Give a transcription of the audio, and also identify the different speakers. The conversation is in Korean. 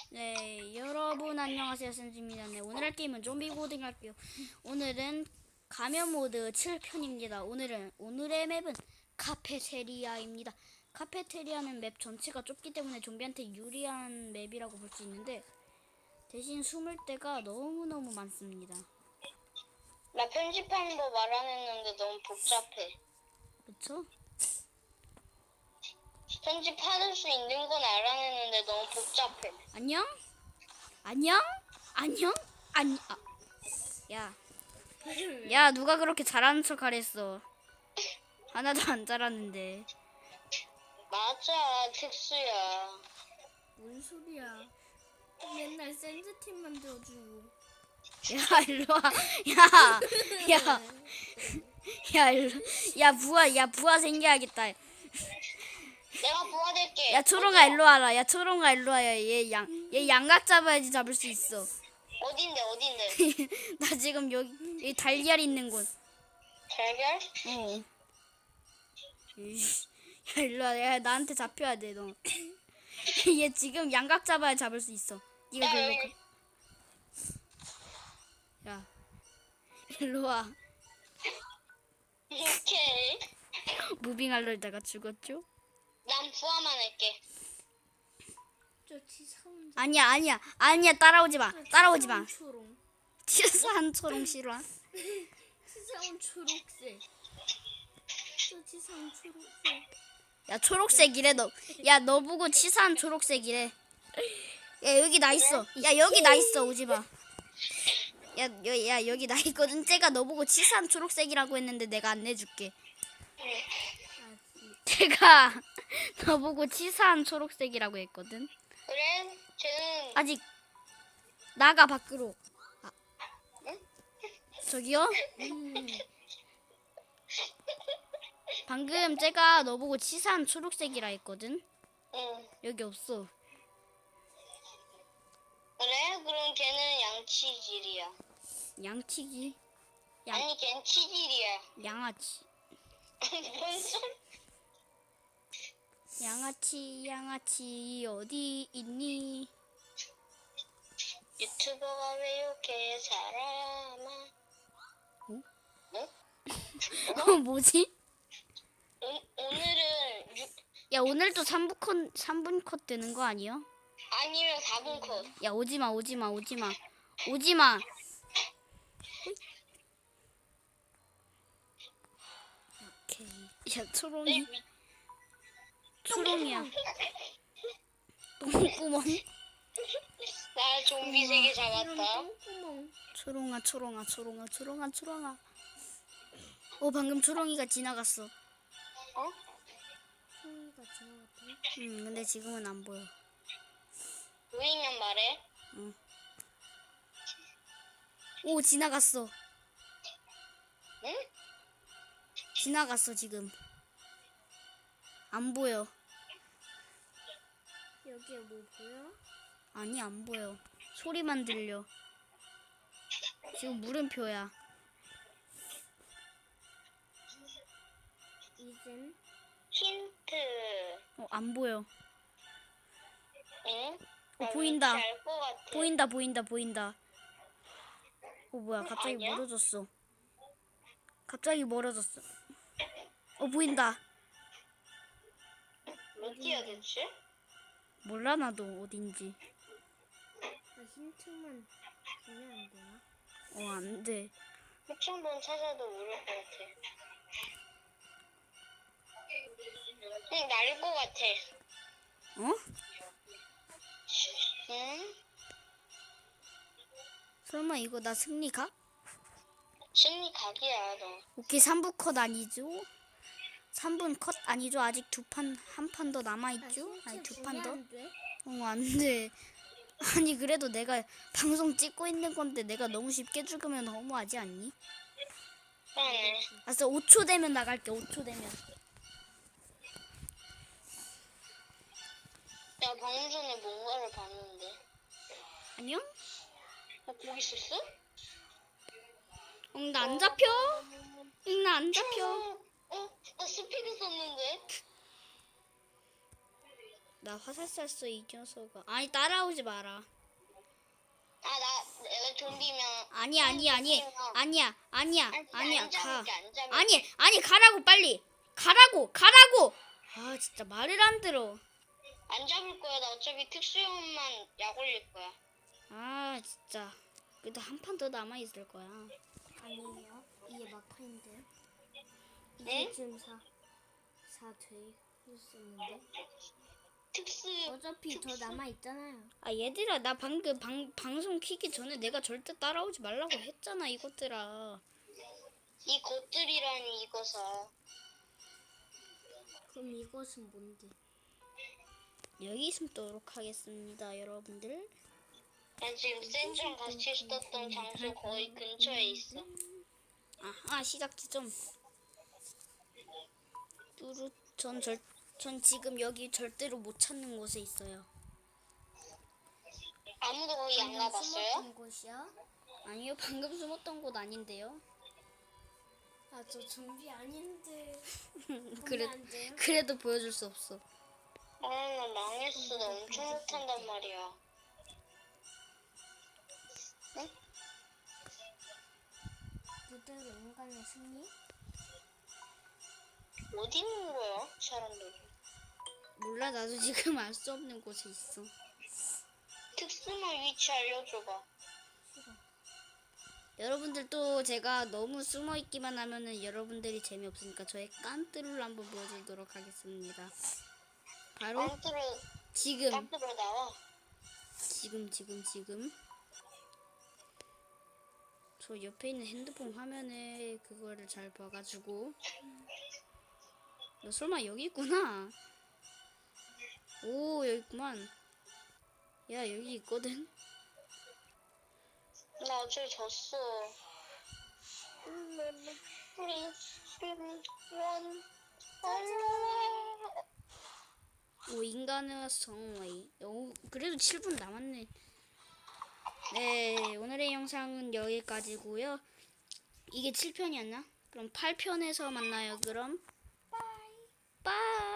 Speaker 1: 네, 여러분 안녕하세요. 센즈입니다. 네, 오늘 할 게임은 좀비 고딩 할게요. 오늘은 가면 모드 7편입니다. 오늘의 맵은 카페테리아입니다. 카페테리아는 맵 전체가 좁기 때문에 좀비한테 유리한 맵이라고 볼 수 있는데 대신 숨을 데가 너무너무 많습니다.
Speaker 2: 나 편집하는 거 말 안 했는데 너무 복잡해.
Speaker 1: 그쵸?
Speaker 2: 편집할 수 있는 건 알아냈는데 너무 복잡해.
Speaker 1: 안녕? 안녕? 안녕? 야. 야, 누가 그렇게 잘하는 척 하랬어. 하나도 안 잘하는데.
Speaker 2: 맞아, 특수야.
Speaker 3: 뭔 소리야? 맨날 센즈팀 만들어주고.
Speaker 1: 야, 일로 와. 야, 야, 야, 야, 부하 생겨야겠다.
Speaker 2: 내가 도와줄게.
Speaker 1: 야, 초롱아, 일로 와라. 야, 초롱아, 일로 와야 얘 양각 잡아야지 잡을 수 있어.
Speaker 2: 어딘데?
Speaker 1: 나 지금 여기 달걀 있는 곳.
Speaker 2: 달걀?
Speaker 1: 어. 야, 일로 와. 야, 나한테 잡혀야 돼, 너. 얘 지금 양각 잡아야 잡을 수 있어. 이거
Speaker 2: 야,
Speaker 1: 별로.
Speaker 2: 여기.
Speaker 1: 야, 일로 와.
Speaker 2: 오케이.
Speaker 1: 무빙하려다가 죽었죠?
Speaker 2: 난 부화만 할게.
Speaker 3: 저 치사한
Speaker 1: 아니야, 따라오지 마.
Speaker 3: 초록.
Speaker 1: 치사한 초롱 싫어.
Speaker 3: 치사한 초록색. 저 치사한 초록색.
Speaker 1: 야, 초록색이래 너. 야, 너 보고 치사한 초록색이래. 야, 여기 나 있어. 야, 여기 나 있어. 오지 마. 야, 여기 나 있거든. 쟤가 너 보고 치사한 초록색이라고 했는데 내가 안 내줄게. 쟤가 너 보고 치사한 초록색이라고 했거든.
Speaker 2: 그래? 쟤는
Speaker 1: 아직 나가 밖으로. 아. 저기요? 방금 쟤가 너 보고 치사한 초록색이라 했거든.
Speaker 2: 응.
Speaker 1: 여기 없어.
Speaker 2: 그래? 그럼 걔는 양치질이야.
Speaker 1: 양치기.
Speaker 2: 아니, 걔는 치질이야.
Speaker 1: 양아치.
Speaker 2: 뭔 소리?
Speaker 1: 양아치 어디 있니?
Speaker 2: 유튜버가 왜 이렇게 살아나?
Speaker 1: 어?
Speaker 2: 어?
Speaker 1: 뭐지?
Speaker 2: 오늘은
Speaker 1: 야, 오늘도 3분 컷 되는 거 아니야?
Speaker 2: 아니면 4분 컷.
Speaker 1: 야, 오지마. 오케이. 야, 초롱이야. 똥구멍.
Speaker 2: 나 좀비 세개 잡았다.
Speaker 3: 똥구멍.
Speaker 1: 초롱아. 방금 초롱이가 지나갔어.
Speaker 2: 어?
Speaker 3: 소리가 지나갔다.
Speaker 1: 근데 지금은 안 보여.
Speaker 2: 보이면 말해.
Speaker 1: 오, 지나갔어.
Speaker 2: 응?
Speaker 1: 지나갔어, 지금. 안 보여.
Speaker 3: 여기에 뭐 보여?
Speaker 1: 아니, 안 보여. 소리만 들려. 지금 물음표야.
Speaker 3: 이젠
Speaker 2: 힌트.
Speaker 1: 안 보여.
Speaker 2: 응?
Speaker 1: 보인다.
Speaker 2: 알것 같아.
Speaker 1: 보인다. 뭐야, 갑자기
Speaker 2: 아니야?
Speaker 1: 멀어졌어. 보인다.
Speaker 2: 어디야 대체?
Speaker 1: 몰라, 나도 어딘지.
Speaker 3: 힌트만 주면 안 되나?
Speaker 1: 안 돼.
Speaker 2: 혹시 한번 찾아도 모를 것 같아. 응, 나를 것 같아.
Speaker 1: 어?
Speaker 2: 응?
Speaker 1: 설마 이거 나 승리 가?
Speaker 2: 심리 각이야, 너.
Speaker 1: 오케이, 3부 컷 아니죠? 3분 컷 아니죠? 아직 한 판 더 남아있죠? 아니, 2판 더?
Speaker 3: 안 돼?
Speaker 1: 안 돼. 아니, 그래도 내가 방송 찍고 있는 건데 내가 너무 쉽게 죽으면 너무하지 않니?
Speaker 2: 그러네.
Speaker 1: 알았어, 5초 되면 나갈게, 5초 되면.
Speaker 2: 야, 방금 전에 뭔가를 봤는데.
Speaker 1: 안녕?
Speaker 2: 거기 있었어?
Speaker 1: 나 안 잡혀? 나 안 잡혀.
Speaker 2: 나 스피드 썼는데?
Speaker 1: 나 화살 쐈어 이 녀석아. 아니 따라오지 마라.
Speaker 2: 내가 좀비면.
Speaker 1: 아니야.
Speaker 2: 아니,
Speaker 1: 아니야.
Speaker 2: 안
Speaker 1: 가.
Speaker 2: 잡을게, 안 잡을게.
Speaker 1: 아니 가라고 빨리. 가라고. 아 진짜 말을 안 들어.
Speaker 2: 안 잡을 거야. 나 어차피 특수용만 약 올릴 거야.
Speaker 1: 아 진짜. 그래도 한 판 더 남아 있을 거야.
Speaker 3: 아니에요. 이게 막판인데요. 이게
Speaker 2: 네?
Speaker 3: 지금 4 되었었는데.
Speaker 2: 특수.
Speaker 3: 어차피 더 남아 있잖아요.
Speaker 1: 아 얘들아 나 방금 방송 키기 전에 내가 절대 따라오지 말라고 했잖아 이것들아.
Speaker 2: 이 것들이라니 이거사.
Speaker 3: 그럼 이것은 뭔데?
Speaker 1: 여기 숨도록 하겠습니다 여러분들.
Speaker 2: 난 지금 센즈랑 같이 있었던 장소 거의 근처에 있어.
Speaker 1: 시작 지점. 뚜루 전 지금 여기 절대로 못 찾는 곳에 있어요.
Speaker 2: 아무도 거기 안 가봤어요?
Speaker 3: 숨었던 곳이야?
Speaker 1: 아니요 방금 숨었던 곳 아닌데요.
Speaker 3: 아, 저 좀비 아닌데.
Speaker 1: 그래
Speaker 3: 보면 안 돼요?
Speaker 1: 그래도 보여줄 수 없어.
Speaker 2: 나 망했어. 나 엄청 못한단 말이야.
Speaker 3: 그대로 인간의 승리?
Speaker 2: 어디 있는 거야, 사람들이?
Speaker 1: 몰라 나도 지금 알 수 없는 곳에 있어.
Speaker 2: 특수만 위치 알려줘봐.
Speaker 3: 싫어.
Speaker 1: 여러분들 또 제가 너무 숨어 있기만 하면은 여러분들이 재미없으니까 저의 깐뚜루를 한번 보여드리도록 하겠습니다. 바로
Speaker 2: 깡트로
Speaker 1: 지금
Speaker 2: 나와.
Speaker 1: 지금 저 옆에 있는 핸드폰 화면에 그거를 잘 봐가지고. 너 설마 여기 있구나. 오 여기 있구만. 야 여기 있거든.
Speaker 2: 나 어제 졌어.
Speaker 1: 오 인간의 성웨이. 오 그래도 7분 남았네. 네 오늘의 영상은 여기까지고요. 이게 7편이었나? 그럼 8편에서 만나요. 그럼 빠이.